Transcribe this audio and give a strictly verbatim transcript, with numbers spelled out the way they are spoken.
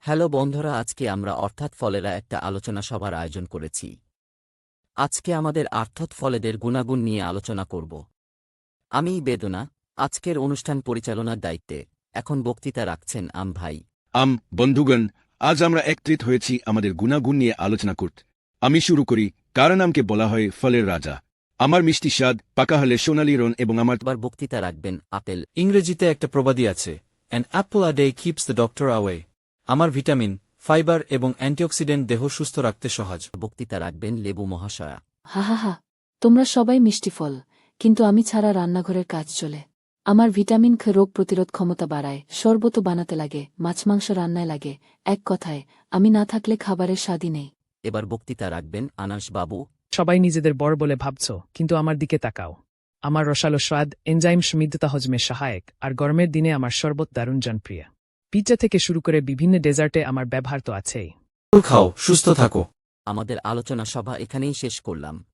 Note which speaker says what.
Speaker 1: Hello বন্ধুরা, আজকে আমরা অর্থাৎ ফলেরা একটা আলোচনা সভার আয়োজন করেছি। আজকে আমাদের অর্থাৎ ফলেদের গুণাগুণ নিয়ে আলোচনা করব। আমি বেদনা, আজকের অনুষ্ঠান পরিচালনার দায়িত্বে। এখন বক্তৃতা রাখছেন আম ভাই।
Speaker 2: আম বন্ধুগণ, আজ আমরা একত্রিত হয়েছি আমাদের গুণাগুণ নিয়ে আলোচনা করতে। আমি শুরু করি, কারণ আমকে বলা হয় ফলের রাজা। আমার মিষ্টি স্বাদ, পাকা হলে সোনালি রং এবং আমার
Speaker 1: এবার বক্তৃতা রাখবেন আপেল।
Speaker 3: ইংরেজিতে একটা প্রবাদী আছে, an apple a day keeps the doctor away. আমার ভিটামিন, ফাইবার এবং অ্যান্টিঅক্সিডেন্ট দেহ সুস্থ রাখতে সহজ।
Speaker 1: বক্তৃতা রাখবেন লেবু মহাশয়া।
Speaker 4: হা হা হা, তোমরা সবাই মিষ্টি ফল, কিন্তু আমি ছাড়া রান্নাঘরের কাজ চলে। আমার ভিটামিন খ রোগ প্রতিরোধ ক্ষমতা বাড়ায়, শরবত বানাতে লাগে, মাছ মাংস রান্নায় লাগে। এক কথায়, আমি না থাকলে খাবারের স্বাদই নেই।
Speaker 1: এবার বক্তৃতা রাখবেন আনাস বাবু।
Speaker 5: সবাই নিজেদের বড় বলে ভাবছ, কিন্তু আমার দিকে তাকাও। আমার রসালো স্বাদ, এনজাইম সমৃদ্ধতা হজমে সহায়ক, আর গরমের দিনে আমার শরবত দারুণ জনপ্রিয়। পিৎজা থেকে শুরু করে বিভিন্ন ডেজার্টে আমার ব্যবহার তো আছেই।
Speaker 3: ফল খাও, সুস্থ থাকো।
Speaker 1: আমাদের আলোচনা সভা এখানেই শেষ করলাম।